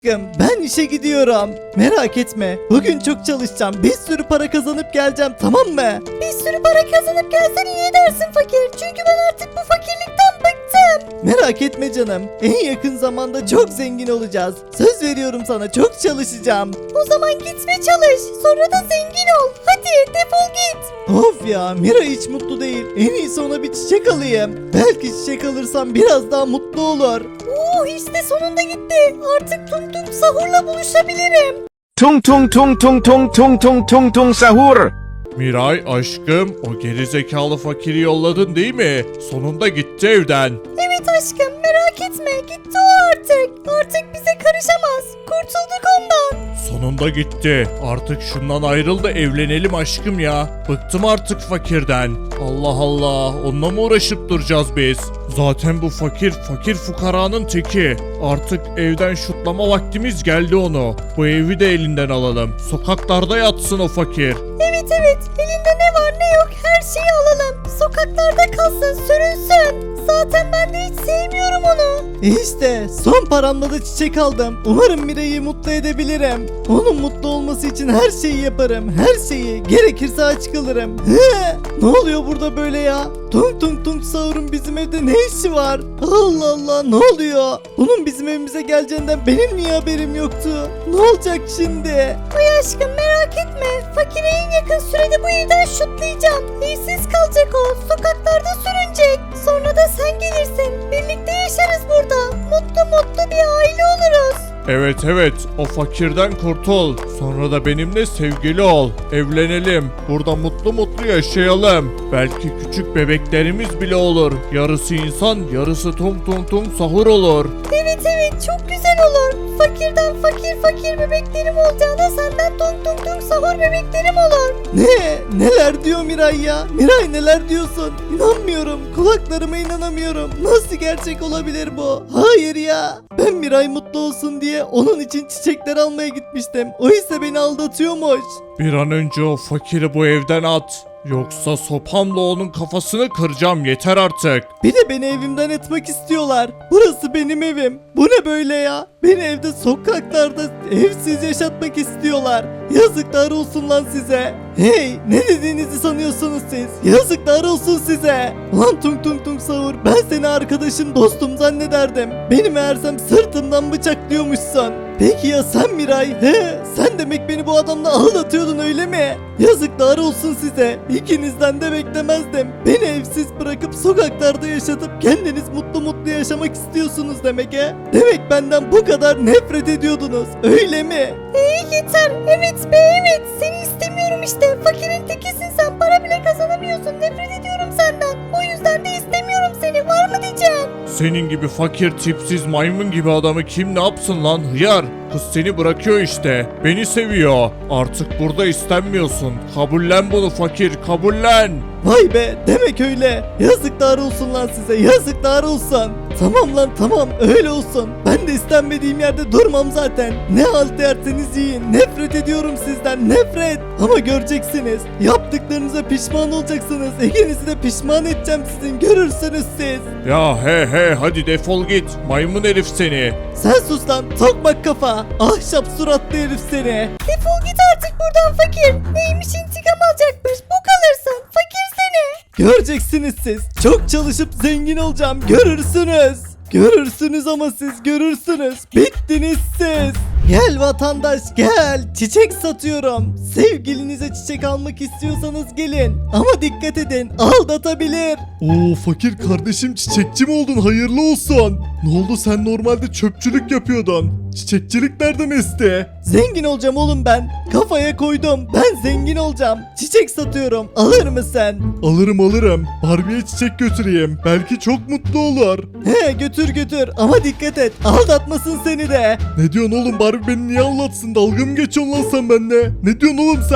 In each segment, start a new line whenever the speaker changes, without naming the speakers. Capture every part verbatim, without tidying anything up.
Ben işe gidiyorum. Merak etme. Bugün çok çalışacağım. Bir sürü para kazanıp geleceğim, tamam mı?
Bir sürü para kazanıp gelsen iyi edersin fakir. Çünkü ben artık bu fakirlikten bıktım.
Merak etme canım. En yakın zamanda çok zengin olacağız. Söz veriyorum sana, çok çalışacağım.
O zaman git ve çalış. Sonra da zengin ol. Hadi defol git.
Of ya, Mira hiç mutlu değil. En iyisi ona bir çiçek alayım. Belki çiçek alırsam biraz daha mutlu olur.
Oo işte sonunda gitti. Artık Tung Tung Sahur'la buluşabilirim.
Tung tung tung tung tung tung tung tung tung sahur.
Miray aşkım, o gerizekalı fakiri yolladın değil mi? Sonunda gitti evden.
Evet aşkım merak etme. Gitti o artık. Artık bize karışamaz. Kurtulduk ondan.
Sonunda gitti. Artık şundan ayrıl da evlenelim aşkım ya. Bıktım artık fakirden. Allah Allah, onunla mı uğraşıp duracağız biz? Zaten bu fakir, fakir fukaranın teki. Artık evden şutlama vaktimiz geldi onu. Bu evi de elinden alalım. Sokaklarda yatsın o fakir.
Evet evet. Elinde ne var ne yok her şeyi alalım. Sokaklarda kalsın sürünsün. Zaten ben de hiç sevmiyorum onu.
İşte son paramla da çiçek aldım. Umarım Mira'yı mutlu edebilirim. Onun mutlu olması için her şeyi yaparım. Her şeyi. Gerekirse aç kalırım. He, ne oluyor burada böyle ya? Tung tung tung sahurun bizim evde ne işi var? Allah Allah, ne oluyor? Bunun bizim evimize geleceğinden benim niye haberim yoktu? Ne olacak şimdi?
Ay aşkım merak etme. Fakire en yakın sürede bu evden şutlayacağım. Evsiz kalacak o. Sokaklarda sürünecek. Sonra da sen gelirsin. Birlikte yaşarız burada. Mutlu mutlu bir aile oluruz.
Evet evet, o fakirden kurtul. Sonra da benimle sevgili ol. Evlenelim. Burada mutlu mutlu yaşayalım. Belki küçük bebeklerimiz bile olur. Yarısı insan, yarısı tum tum tum sahur olur.
Evet evet çok güzel olur. Fakirden fakir fakir bebeklerim olacağına senden tung tung tung sahur bebeklerim olur.
Ne? Neler diyor Miray ya? Miray neler diyorsun? İnanmıyorum. Kulaklarıma inanamıyorum. Nasıl gerçek olabilir bu? Hayır ya. Ben Miray mutlu olsun diye onun için çiçekler almaya gitmiştim. O ise beni aldatıyormuş.
Bir an önce o fakiri bu evden at. Yoksa sopamla onun kafasını kıracağım, yeter artık.
Bir de beni evimden etmek istiyorlar. Burası benim evim. Bu ne böyle ya? Beni evde sokaklarda evsiz yaşatmak istiyorlar. Yazıklar olsun lan size. Hey, ne dediğinizi sanıyorsunuz siz? Yazıklar olsun size. Lan tung tung tung sahur, ben seni arkadaşım dostum zannederdim. Beni meğersem sırtımdan bıçaklıyormuşsun. Peki ya sen Miray? He, sen demek beni bu adamla aldatıyordun öyle mi? Yazıklar olsun size. İkinizden de beklemezdim. Beni evsiz bırakıp sokaklarda yaşatıp kendiniz mutlu mutlu yaşamak istiyorsunuz demek he? Demek benden bu kadar nefret ediyordunuz öyle mi?
Ee yeter. Evet be evet. Seni istemiyorum işte. Fakirin tekisin sen. Para bile kazanamıyorsun. Nefret ediyorum senden. O yüzden de istemiyorum seni. Var mı diyeceğim?
Senin gibi fakir, tipsiz, maymun gibi adamı kim ne yapsın lan hıyar? Kız seni bırakıyor işte. Beni seviyor. Artık burada istenmiyorsun. Kabullen bunu fakir, kabullen.
Vay be, demek öyle. Yazıklar olsun lan size, yazıklar olsun. Tamam lan tamam, öyle olsun. Ben de istenmediğim yerde durmam zaten. Ne halt derseniz yiyin. Nefret ediyorum sizden, nefret. Ama göreceksiniz. Yaptıklarınıza pişman olacaksınız. İkinizi de pişman edeceğim sizin. Görürsünüz siz.
Ya he he, hadi defol git. Maymun herif seni.
Sen sus lan, tokmak kafa. Ahşap suratlı herif seni.
Defol git artık buradan fakir. Neymiş intikam alacakmış. Bu kalırsın. Fakir seni.
Göreceksiniz siz. Çok çalışıp zengin olacağım. Görürsünüz. Görürsünüz ama siz görürsünüz. Bittiniz siz. Gel vatandaş gel. Çiçek satıyorum. Sevgilinize çiçek almak istiyorsanız gelin. Ama dikkat edin, aldatabilir.
Oo fakir kardeşim, çiçekçi mi oldun? Hayırlı olsun. Ne oldu, sen normalde çöpçülük yapıyordun. Çiçekçilik nereden esti?
Zengin olacağım oğlum ben. Kafaya koydum. Ben zengin olacağım. Çiçek satıyorum. Alır mısın?
Alırım alırım. Barbie'ye çiçek götüreyim. Belki çok mutlu olur.
He, götür götür ama dikkat et. Aldatmasın seni de.
Ne diyorsun oğlum, Barbie beni niye anlatsın? Dalga mı geçiyorsun lan sen benimle? Ne diyorsun oğlum sen?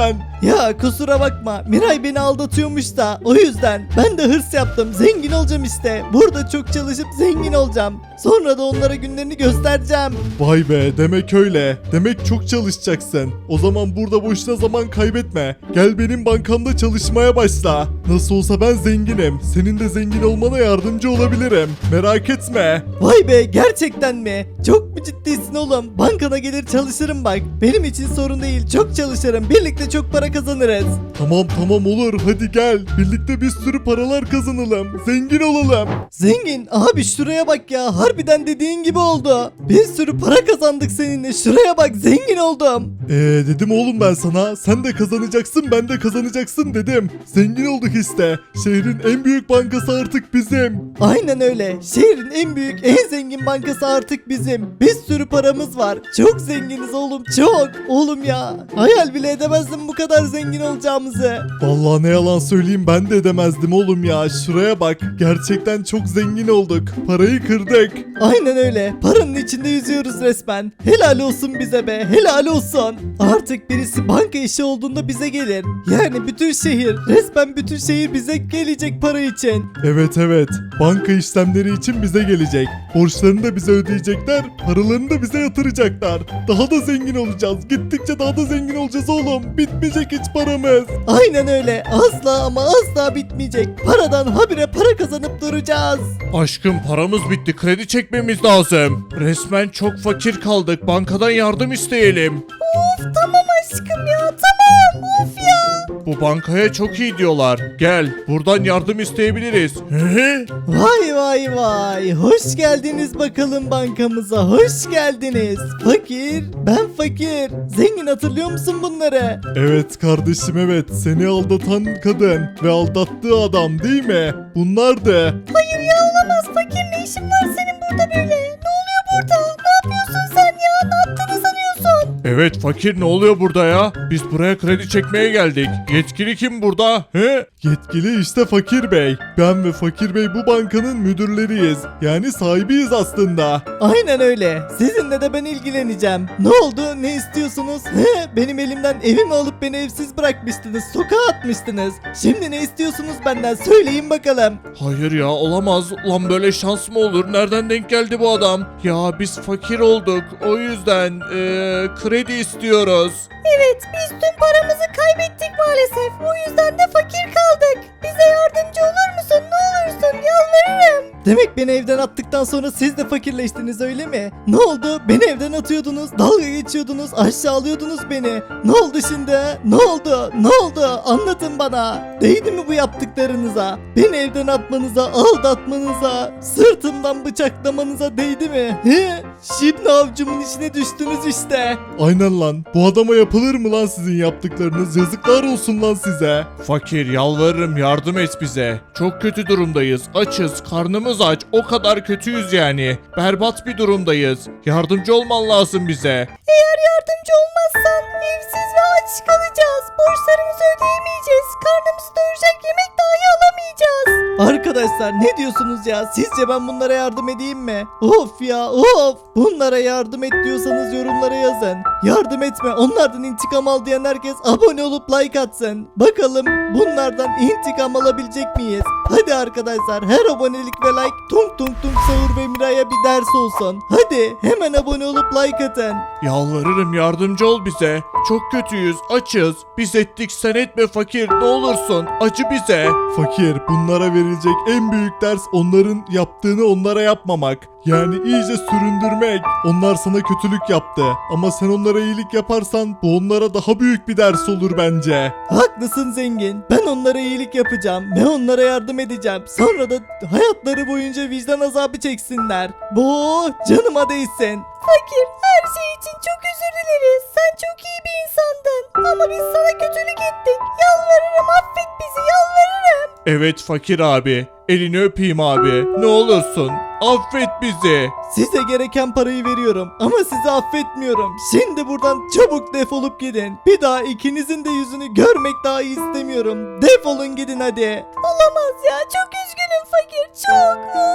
Ya kusura bakma, Miray beni aldatıyormuş da o yüzden ben de hırs yaptım, zengin olacağım işte. Burada çok çalışıp zengin olacağım. Sonra da onlara günlerini göstereceğim.
Vay be, demek öyle. Demek çok çalışacaksın. O zaman burada boşuna zaman kaybetme. Gel benim bankamda çalışmaya başla. Nasıl olsa ben zenginim. Senin de zengin olmana yardımcı olabilirim. Merak etme.
Vay be, gerçekten mi? Çok mu ciddisin oğlum? Bankana gelir çalışırım bak. Benim için sorun değil, çok çalışırım. Birlikte çok para kazanırız.
Tamam tamam olur, hadi gel. Birlikte bir sürü paralar kazanalım. Zengin olalım.
Zengin abi, şuraya bak ya, harbiden dediğin gibi oldu. Bir sürü para kazandık seninle, şuraya bak, zengin oldum.
Eee dedim oğlum ben sana. Sen de kazanacaksın, ben de kazanacaksın dedim. Zengin olduk işte. Şehrin en büyük bankası artık bizim.
Aynen öyle, şehrin en büyük en zengin bankası artık bizim. Bir sürü paramız var, çok zenginiz oğlum, çok. Oğlum ya, hayal bile edemezdim bu kadar zengin olacağımızı.
Vallahi ne yalan söyleyeyim, ben de edemezdim oğlum ya. Şuraya bak, gerçekten çok zengin olduk. Parayı kırdık.
Aynen öyle, paranın içinde yüzüyoruz resmen. Helal olsun bize be, helal olsun. Artık birisi banka işi olduğunda bize gelir. Yani bütün şehir, resmen bütün şehir bize gelecek para için.
Evet evet, banka işlemleri için bize gelecek. Borçlarını da bize ödeyecekler, paralarını da bize yatıracaklar. Daha da zengin olacağız. Gittikçe daha da zengin olacağız oğlum. Bitmeyecek hiç paramız.
Aynen öyle, asla ama asla bitmeyecek. Paradan habire para kazanıp duracağız.
Aşkım paramız bitti, kredi çekmemiz lazım. Resmen çok fakir kaldık, bankadan yardım isteyelim.
Of tamam aşkım ya tamam of ya.
Bu bankaya çok iyi diyorlar. Gel buradan yardım isteyebiliriz. Hı?
Vay vay vay, hoş geldiniz bakalım bankamıza, hoş geldiniz. Fakir, ben fakir. Zengin, hatırlıyor musun bunları?
Evet kardeşim evet, seni aldatan kadın ve aldattığı adam değil mi? Bunlardı.
Hayır ya olamaz fakir, ne işin var senin burada böyle? Ne oluyor burada? Ne yapıyorsun sen ya? Ne yaptığını sanıyorsun?
Evet fakir, ne oluyor burada ya? Biz buraya kredi çekmeye geldik. Yetkili kim burada? He?
Yetkili işte Fakir Bey. Ben ve Fakir Bey bu bankanın müdürleriyiz. Yani sahibiyiz aslında.
Aynen öyle. Sizinle de ben ilgileneceğim. Ne oldu? Ne istiyorsunuz? He, benim elimden evimi alıp beni evsiz bırakmıştınız. Sokağa atmıştınız. Şimdi ne istiyorsunuz benden? Söyleyin bakalım.
Hayır ya, olamaz. Ulan böyle şans mı olur? Nereden denk geldi bu adam? Ya biz fakir olduk. O yüzden eee, kredi istiyoruz.
Evet biz tüm paramızı kaybettik maalesef. O yüzden de fakir kaldık. Bize yardımcı olur musun? Ne olursun yalvarırım.
Demek beni evden attıktan sonra siz de fakirleştiniz, öyle mi? Ne oldu? Beni evden atıyordunuz, dalga geçiyordunuz, aşağılıyordunuz beni. Ne oldu şimdi? he? Ne oldu? Ne oldu? Anlatın bana. Değdi mi bu yaptıklarınıza? Beni evden atmanıza, aldatmanıza, sırtımdan bıçaklamanıza değdi mi? He? Şimdi avcumun içine düştünüz işte.
Aynen lan. Bu adama yapılır mı lan sizin yaptıklarınız? Yazıklar olsun lan size.
Fakir, yalvarırım yardım et bize. Çok kötü durumdayız. Açız, karnımız aç. O kadar kötüyüz yani. Berbat bir durumdayız. Yardımcı olman lazım bize.
Eğer yardımcı olmazsan evsiz ve aç kalacağız. Borçlarımızı ödeyemeyeceğiz. Karnımızı doyuracak yemek dahi alamayacağız.
Arkadaşlar ne diyorsunuz ya? Sizce ben bunlara yardım edeyim mi? Of ya of! Bunlara yardım et diyorsanız yorumlara yazın. Yardım etme, onlardan intikam al diyen herkes abone olup like atsın. Bakalım bunlardan intikam alabilecek miyiz? Hadi arkadaşlar, her abonelik ve like tung tung tung Sahur ve Miray'a bir ders olsun. Hadi hemen abone olup like atın.
Yalvarırım yardımcı ol bize. Çok kötüyüz, açız. Biz ettik, sen etme fakir. Ne olursun, acı bize.
Fakir, bunlara verilecek en büyük ders onların yaptığını onlara yapmamak. Yani iyice süründürmek. Onlar sana kötülük yaptı. Ama sen onlara iyilik yaparsan bu onlara daha büyük bir ders olur bence.
Haklısın zengin. Ben onlara iyilik yapacağım ve onlara yardım edeceğim. Sonra da hayatları boyunca vicdan azabı çeksinler. Bu canıma değsin.
Fakir her şey için çok özür dileriz. Sen çok iyi bir insandın. Ama biz sana kötülük ettik. Yalvarırım affet bizi yalvarırım.
Evet fakir abi. Elini öpeyim abi. Ne olursun. Affet bizi.
Size gereken parayı veriyorum ama sizi affetmiyorum. Şimdi buradan çabuk defolup gidin. Bir daha ikinizin de yüzünü görmek dahi istemiyorum. Defolun gidin hadi.
Olamaz ya çok üzgünüm fakir çok.